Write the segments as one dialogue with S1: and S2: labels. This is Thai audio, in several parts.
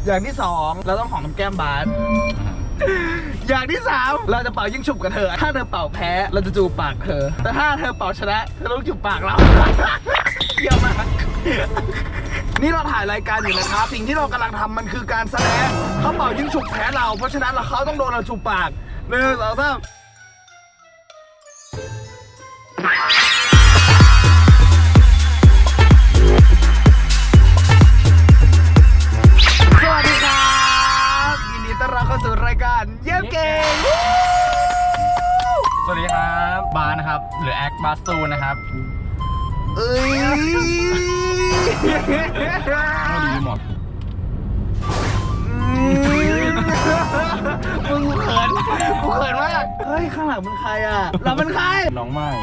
S1: อย่างที่2เราต้องหอมน้ำแก้มบาสอย่างที่3เราจะเป่ายิ่งฉุบกับเธอถ้าเธอเป่าแพ้เราจะจูบปากเธอแต่ถ้าเธอเป่าชนะเธอต้องจูบปากเราเยี่ยมมากนี่เราถ่ายรายการอยู่นะครับสิ่งที่เรากำลังทำมันคือการแสดงเขาเป่ายิ่งฉุบแพ้เราเพราะฉะนั้นเขาต้องโดนเราจูบปาก1 2 3เข้าสู่รายการเยี่ยมเก่ง
S2: สวัสดีครับบาสนะครับหรือแอคบาสตูนะครับดีหมด
S1: มึงเขินมากเฮ้ยข้างหลังมันใครอ่ะเราเป็นใคร
S2: น้องใหม่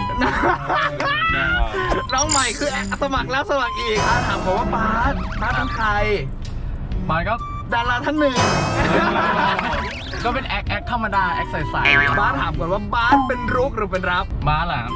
S1: น้องใหม่คือสมัครแล้วสมัครอีกถามผมว่าบาสเป็นใคร
S2: บาสก็
S1: ดาราท่านหนึ่ง
S2: ก็เป็นแอคธรรมดาแอคใส
S1: ๆบาสถามก่อนว่าบาสเป็นรุกหรือเป็นรับบ
S2: าสล่ะ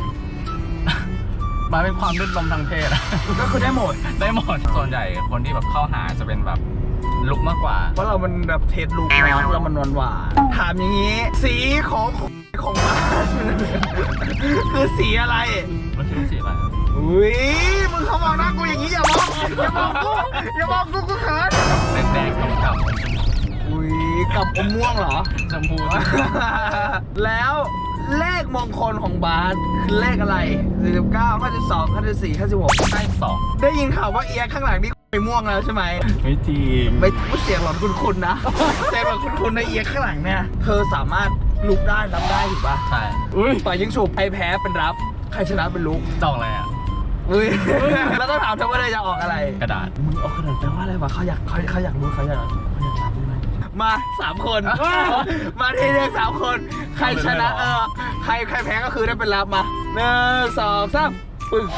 S2: บาสเป็นความลื่นลมทางเพศ
S1: ก็คือได้หมด
S2: ส่วนใหญ่คนที่แบบเข้าหาจะเป็นแบบลุกมากกว่า
S1: เพราะเรามันแบบเทสลุกเรามันหวานถามอย่างนี้สีของบาสคือสีอะไร
S2: มันคือสีอะไร
S1: อุ้ยมึงเขามองหน้ากูอย่างนี้อย่ามองกูเขิน
S2: แดงกับ
S1: อุ้ยกับอมม่วงเหรอ
S2: ชมพู
S1: แล้วเลขมงคลของบาสคือเลขอะไร49 52 54 56
S2: 52
S1: ได้ยินข่าวว่าเอียข้างหลังนี่ไปม่วงแล้วใช่ไหม
S2: ไม่จริง
S1: ไม่เสียงหลอนคุณนะเสียงหลอนคุณในเอียข้างหลังเนี่ยเธอสามารถลุกได้รับได้ถูกป่ะ
S2: ใช่
S1: ฝ่ายยิงฉุบใครแพ้เป็นรับใครชนะเป็นลุก
S2: จองอะไรอ่ะ
S1: แล้วต้องถามเธอว่าเธอจะออกอะไร
S2: กระดาษ
S1: มึงออกกระดาษแปลว่าอะไรวะเขาอยากรู้เขาอยากรับรู้ไหมมา3 คนมาทีเดียว3 คนใครชนะใครแพ้ก็คือได้เป็นรับมา1 2 3ปึ้ง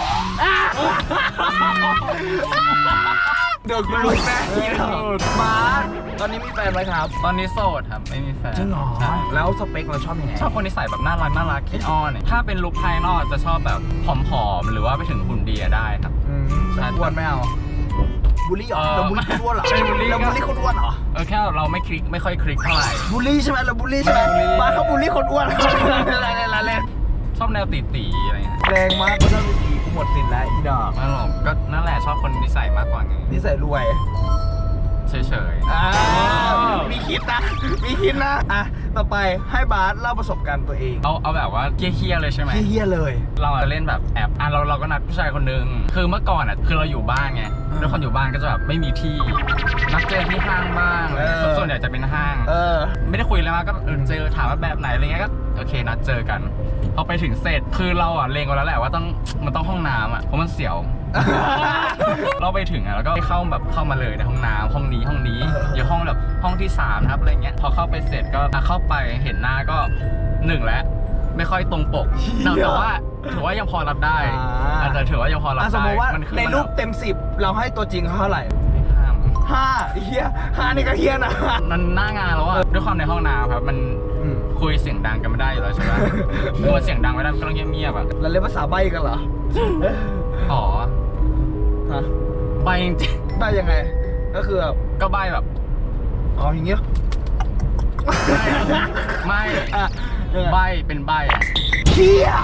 S1: เดือดกลุกแน่มาตอนนี้มีแฟนไหมครับ
S2: ตอนนี้โสดครับไม่มีแฟน
S1: จริงเหรอแล้วสเปคเราชอบยังไง
S2: ชอบคนที่ใส่แบบน่ารักขี้อ้อนถ้าเป็นลุคภายนอกจะชอบแบบผอมๆหรือว่าไปถึงหุ่นดีได้ครับ
S1: อ้วนไม่เอาบูลลี่เหรอเราบูลลี่คนอ้วนเหรอเราบูลลี่คนอ้วนเหรอ
S2: แค่เราไม่ค่อยคลิกเท่าไหร่
S1: บูลลี่ใช่ไหมเราบูลลี่ใช่ไหมบ้านเขาบูลลี่คนอ้วนอะไร
S2: ชอบแนวตีอะไรเงี้ย
S1: แรงมากก็ชอบตีกูหมดสินแล้วอีดอก
S2: ไม่หรอกก็นั่นแหละชอบคนนิสัยมากกว่าไง
S1: นิสัยรวย
S2: เฉย
S1: มีคิดนะต่อไปให้บาสเล่าประสบการณ์ตัวเอง
S2: เอาแบบว่าเคี้ยเลยใช่ไหม
S1: เคี้ยเลย
S2: เราเล่นแบบแอบเราก็นัดผู้ชายคนนึงคือเมื่อก่อนคือเราอยู่บ้านไงด้วยคนอยู่บ้านก็จะแบบไม่มีที่นัดเจอที่ห้างบ้างส่วนใหญ่จะเป็นห้างไม่ได้คุยเลยมาก็เจอถามว่าแบบไหนอะไรเงี้ยก็โอเคนัดเจอกันพอไปถึงเสร็จคือเราเล็งไว้แล้วแหละว่ามันต้องห้องน้ำเพราะมันเสียวเราไปถึงแล้วก็เข้ามาเลยในห้องน้ำห้องนี้อยู่ห้องแบบห้องที่3นะครับอะไรเงี้ยพอเข้าไปเสร็จก็เข้าไปเห็นหน้าก็1แล้วไม่ค่อยตรงปกแต่ว่าถือว่ายังพอรับได้อาจจะถือว่ายังพอรับได้
S1: สมมติว่าในรูปเต็ม10เราให้ตัวจริงเขาเท่าไหร่5เฮีย5นี่ก็เฮียนะ
S2: มันหน้างานแล้วด้วยความในห้องน้ำครับมันคุยเสียงดังกันไม่ได้อยู่แล้วใช่ไหมเมื่อเสียงดังไม่ได้ก็ต้องเงียบๆ
S1: เราเล่นภาษาใบ้กันเหรอ
S2: อ๋อใบจริง
S1: ใบยังไงก็คือ
S2: ก็ใบแบบ
S1: อย่างเงี้ย
S2: ไม่ใบเป็นใบ
S1: เฮีย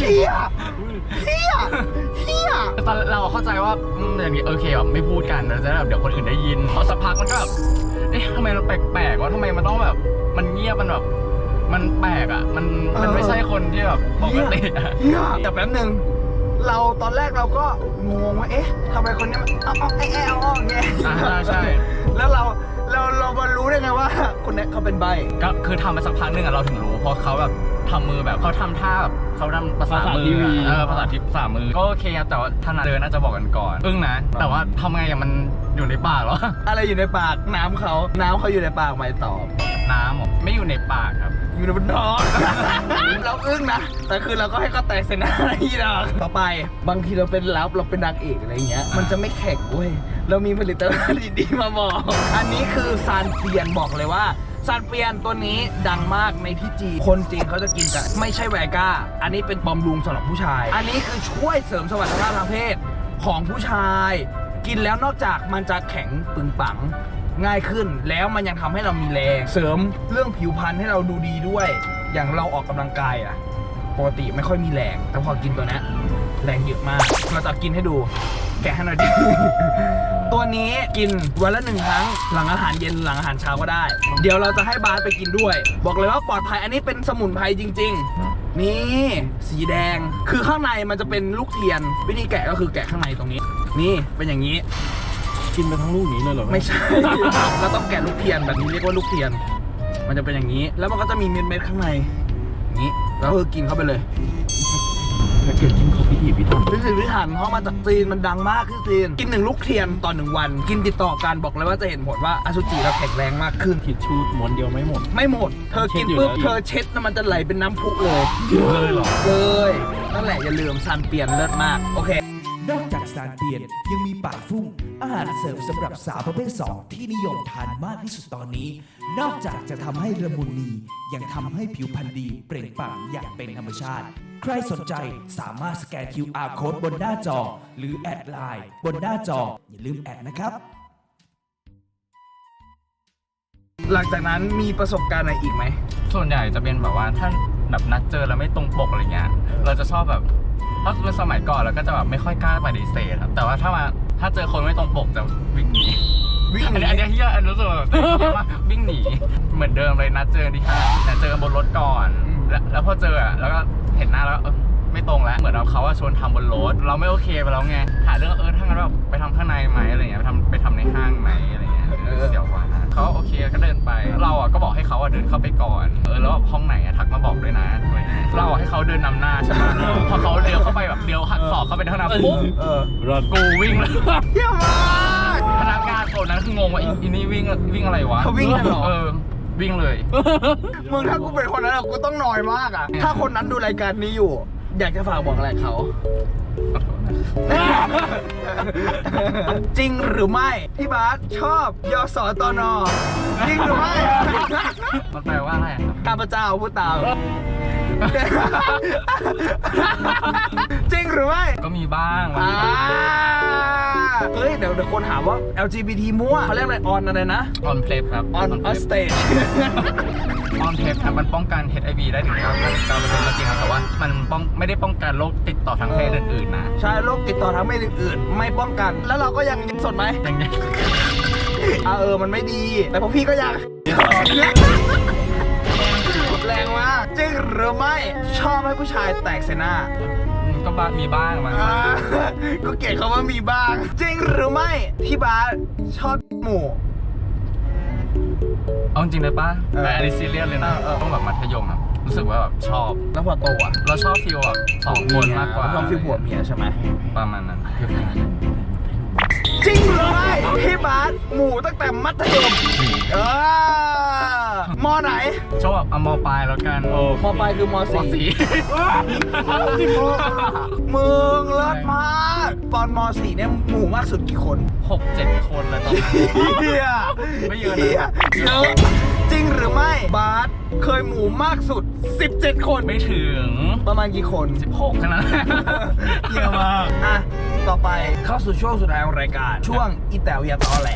S2: ตอนเราเข้าใจว่าอย่างนี้โอเคแบบไม่พูดกันแล้วจะแบบเดี๋ยวคนอื่นได้ยินพอสักพักมันก็แบบทำไมมันแปลกๆว่าทำไมมันต้องแบบมันเงียบมันแบบมันแปลกมันไม่ใช่คนที่แบบปกติ
S1: แต่แป๊บนึงเราตอนแรกเราก็งงว่าทำไมคนนี้มันเงี้ย
S2: ใช่
S1: แล้วเรามารู้ได้ไงว่าคนนี้เขาเป็นใบ
S2: ก็คือทำมาสักพักนึงเราถึงรู้เพราะเขาแบบทำมือแบบเขาทำท่าแบบเขาทำภาษามือภาษาทิพย์ภาษามือก็โอเคแต่ว่าถนัดเดินน่าจะบอกกันก่อนนะแต่ว่าทำไงมันอยู่ในปากเหรอ
S1: อะไรอยู่ในปากน้ำเขาอยู่ในปากไม่ตอบ
S2: น้ำไม่อยู่ในปากครับ
S1: อยู่ในบนท้องเรานะแต่คือเราก็ให้เขาแตกเสนาที่เราต่อไปบางทีเราเป็นนางเอกอะไรเงี้ยมันจะไม่แข็งเว้ยเรามีผลิตภัณฑ์ดีๆมาบอกอันนี้คือซานเปียนบอกเลยว่าซานเปียนตัวนี้ดังมากในที่จีนคนจีนเขาจะกินกันไม่ใช่แวก้าอันนี้เป็นบำรุงสำหรับผู้ชายอันนี้คือช่วยเสริมสมรรถภาพทางเพศของผู้ชายกินแล้วนอกจากมันจะแข็งปึงปังง่ายขึ้นแล้วมันยังทำให้เรามีแรงเสริมเรื่องผิวพรรณให้เราดูดีด้วย อย่างเราออกกำลังกายอะปกติไม่ค่อยมีแรงแต่พอกินตัวนี้แรงเยอะมากเราจะกินให้ดูแกะให้หน่อยดิ ตัวนี้กินวันละ1 ครั้งหลังอาหารเย็นหลังอาหารเช้าก็ได้ เดี๋ยวเราจะให้บาสไปกินด้วย บอกเลยว่าปลอดภัยอันนี้เป็นสมุนไพรจริง ๆ นี่สีแดงคือข้างในมันจะเป็นลูกเทียนวิธีแกะก็คือแกะข้างในตรงนี้ นี่เป็นอย่างนี้
S3: กินไปทั้งลูกนี้เลยเหรอ
S1: ไม่ใช่ เราต้องแกะลูกเทียนแบบนี้เรียกว่าลูกเทียน มันจะเป็นอย่างนี้ แล้วมันก็จะมีเม็ดๆข้างในอย่างนี้แล้วคือกินเข้าไปเลย
S3: แพ็กเกจจิ้งเขาพิถีพิถัน
S1: พิถีพิถันเพราะมาจากจีนมันดังมากที่จีนกิน1 ลูกเทียนต่อ1 วัน กินติดต่อกันบอกเลยว่าจะเห็นผลว่าอสุจิเราแข็งแรงมากขึ้น
S3: ทิชชู่ม้วนเดียวไม่หมด
S1: ไม่หมด เธอกินปุ๊บ
S3: เช็ดอยู่แล้ว
S1: เธอเช็ดแล้วมันจะไหลเป็นน้ำพุเลย
S3: เลยเหรอ
S1: เลยนั่นแหละอย่าลืมซันเปลี่ยนเลิศมากโอเค
S4: นอกจากสารเปลี่ยนยังมีป่าฟุ้งอาหารเสริมสำหรับสาวประเภท 2 ที่นิยมทานมากที่สุดตอนนี้ นอกจากจะทำให้ละมุนนียังทำให้ผิวพรรณดีเปล่งปลั่งอย่างเป็นธรรมชาติ ใครสนใจสามารถสแกน QR Code บนหน้าจอ หรือแอดไลน์บนหน้าจอ อย่าลืมแอดนะครับ
S1: หลังจากนั้นมีประสบการณ์อะไรอีกไหม
S2: ส่วนใหญ่จะเป็นแบบว่าถ้าแบบนัดเจอแล้วไม่ตรงปกอะไรเงี้ยเราจะชอบแบบถ้าเป็นสมัยก่อนเราก็จะแบบไม่ค่อยกล้าปฏิเสธครับแต่ว่าถ้าเจอคนไม่ตรงปกจะวิ่งหนี
S1: วิ่งหนี
S2: อันนี้เฮียอันรู้สึกแบบเฮียมากวิ่งหนีเหมือนเดิมเลยนัดเจอที่ห้างแต่เจอกันบนรถก่อนแล้วพอเจออะแล้วก็เห็นหน้าแล้วไม่ตรงแล้วเหมือนเขาชวนทำบนรถเราไม่โอเคไปแล้วไงหาเรื่องถ้างั้นแบบไปทำข้างในไหมอะไรเงี้ยไปทำในห้างไหมอะไรเงี้ยเสียวกว่าเขาโอเคก็เดินไปเราก็บอกให้เขาเดินเข้าไปก่อนแล้วแบบห้องไหนทักมาบอกด้วยนะอะไรเงี้ยเราให้เขาเดินนำหน้าใช่ไหมพอเขาเลี้ยวเข้าไปแบบเลี้ยวหักศอกเข้าไปในห้องน้ำปุ๊บ
S3: รอด
S2: กูวิ่งเลย
S1: เยี่ยมมาก
S2: พนักงานโซนนั้นคืองงว่าอีนี่วิ่งอะไรวะ
S1: เขาวิ่งกันเหรอ
S2: วิ่งเลย
S1: มึงถ้ากูเป็นคนนั้นอะกูต้องนอยมากอะถ้าคนนั้นดูรายการนี้อยู่ อยากจะฝากบอกอะไรเขา จริงหรือไม่พี่บาสชอบยสตนจริงหรือไม่
S2: มันแปลว่าอะไรครับ
S1: ข้าพเจ้าพูดตาม จริงหรือไม่
S2: ก็มีบ้างวัน
S1: อ่าเฮ้ยเดี๋ยวคนถามว่า LGBT มั่วเขาเรียกอะไรออนอะไรนะ
S2: ออนเพลฟครับ
S1: on stage
S2: ออนเพลฟครับมันป้องกัน HIV ได้ถึง 99%ก็จริงครับแต่ว่ามันไม่ได้ป้องกันโรคติดต่อทางเพศอื่นๆนะ
S1: ใช่โรคติดต่อทางเพศอื่นๆ ไม่ป้องกัน แล้วเราก็ยังสดไหม
S2: อย่างเงี้ย
S1: มันไม่ดี แต่พวกพี่ก็ยัง แรงมากจริงหรือไม่ชอบให้ผู้ชายแตกเสหน้า
S2: ก็มีบ้างมัน
S1: ก็เกลียดเขาว่ามีบ้าง จริงหรือไม่พี่บาสชอบหมู่
S2: เอาจริงเลยป่ะ
S1: เออ
S2: แต่อันนี้ซีเรียสเลยนะต้องแบบมัธยมครับรู้สึกว่าแบบชอบ
S1: แล้วพอโตอ่ะ
S2: เราชอบฟีลแบบ2 คนมากกว่า
S1: ชอบฟิลผัวเมียใช่ไหม
S2: ประมาณนั้น
S1: จริงหรือไม่พี่บาสหมู่ตั้งแต่มัธยมมอไหน
S2: ชอบแบบเอามปลายแล้วกัน
S1: มปลายคือม
S2: ม
S1: สี่
S2: สี่
S1: มึงเลิศมากตอนม .4 เนี่ยหมู่มากสุดกี่คน
S2: 6-7 คนเลยตอนนั้น
S1: เฮีย
S2: ไม่เยอะนะ
S1: เยอะจริงหรือไม่บาสเคยหมู่มากสุด 17 คน
S2: ไม่ถึง
S1: ประมาณกี่คน
S2: 16แค่นั้น
S1: เยี่ยมมากอ่ะต่อไปเข้าสู่ช่วงสุดท้ายของรายการ ช่วงอีแต๋วอย่าตอแหล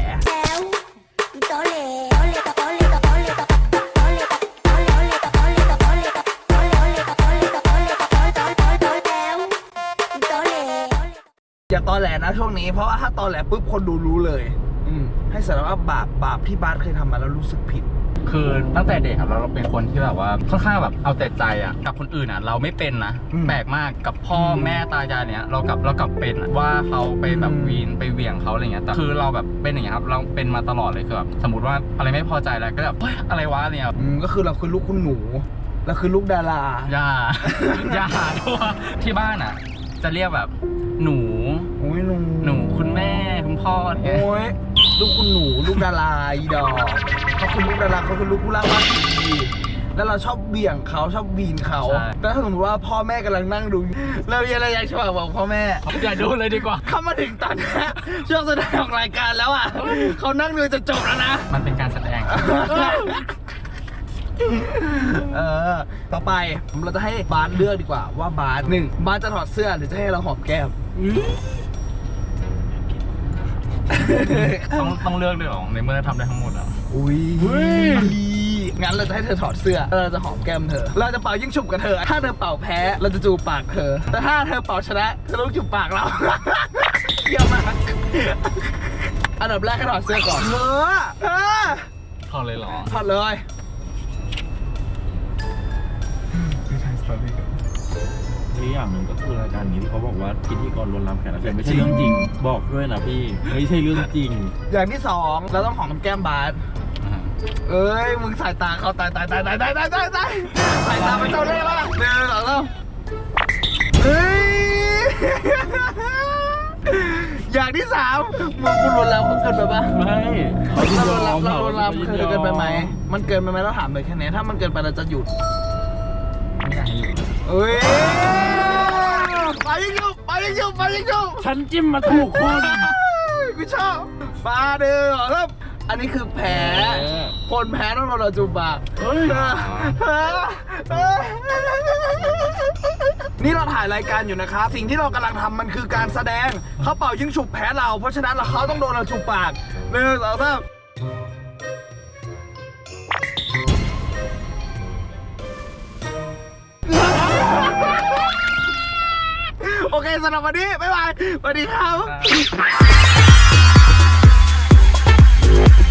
S1: อย่าตอแหลนะช่วงนี้เพราะว่าถ้าตอแหลปุ๊บคนดูรู้เลยให้สารภาพบาปที่บาสเคยทำมาแล้วรู้สึกผิด
S2: คือตั้งแต่เด็กครับเราเป็นคนที่แบบว่าค่อนข้างแบบเอาแต่ใจอ่ะกับคนอื่นอ่ะเราไม่เป็นนะ แปลกมากกับพ่อแม่ตายายเนี้ยเรากลับเป็นอะว่าเขาไปแบบวีนไปเหวี่ยงเขาอะไรเงี้ยแต่คือเราแบบเป็นอย่างเงี้ยครับเราเป็นมาตลอดเลยคือแบบสมมติว่าอะไรไม่พอใจแล้วก็แบบเฮ้ยอะไรวะเนี่ย
S1: ก็คือเราคือลูกคุณหนูเราคือลูกดารา
S2: อย่า อย่าด้วยที่บ้านอ่ะ จะเรียกแบบหนู
S1: โอ้ยหนู
S2: คุณแม่คุณพ่อเนี่ย
S1: โอ้ยลูกคุณหนูลูกดาราอีดอกเขาคือลูกดาราเขาคือลูกผู้ล่าบ้านดีแล้วเราชอบเบี่ยงเขาชอบบีนเขาแต่ถ้าสมมติว่าพ่อแม่กำลังนั่งดูเรามีอะไรอยากจะบอกพ่อแม่
S2: อย่าดูเลยดีกว่า
S1: เข้ามาถึงตอนนี้ช่วงสุดท้ายของรายการแล้วอ่ะเขานั่งดูจะจบแล้วนะ
S2: มันเป็นการแสดง
S1: ต่อไปเราจะให้บาสเลือกดีกว่าว่าบาส1บาสจะถอดเสื้อหรือจะให้เราหอมแก้ม
S2: ต้องเลือกด้วยเหรอในเมื่อทำได้ทั้งหมดอ่ะ
S1: อุ้ยงั้นเราจะให้เธอถอดเสื้อแล้วเราจะหอมแก้มเธอ เราจะเป่ายิ่งฉุบกับเธอ ถ้าเธอเป่าแพ้เราจะจูบปากเธอ แต่ถ้าเธอเป่าชนะเธอต้องจูบปากเรา เยี่ยมมากอันดับแรกให้ถอดเสื้อก่อนเธอ
S2: ถอดเลยเหรอ
S1: ถอดเลย
S3: นี่อย่างหนึ่งก็คือรายการนี้ที่เขาบอกว่าพิธีกรลวนลามแขกรับเชิญไม่ใช่เรื่องจริง บอกด้วยนะพี่ไม่ใช่เรื่องจริง
S1: อย่างที่สองเราต้องหอมแก้มบาสเอ้ยมึงสายตาเขาตายสายตาเป็นเจ้าเล่ห์แล้วเดินหลังแล้วเฮ้ย อย่างที่สามมึงกูลวนลามเขาเกินไปปะ
S3: ไม่เขา
S1: เราลวนลามเคยเกินไปไหมมันเกินไปไหมเราถามเลยแค่นี้ถ้ามันเกินไปเราจะหยุด
S2: ไม่อยากให้อยู่
S1: เอ้ยไปยิงยุบ
S3: ฉันจิ้มมาถูกคน
S1: กูชอบมาเด้อครับอันนี้คือแพ้คนแพ้ต้องโดนเราจูบปาก
S3: เฮ้ย
S1: นี่เราถ่ายรายการอยู่นะครับ สิ่งที่เรากำลังทำมันคือการแสดงเขาเป่ายิงฉุบแพ้เรา เพราะฉะนั้นเขาต้องโดนเราจูบปาก1 2 3โอเคสำหรับวันนี้บ๊ายบายสวัสดีครับ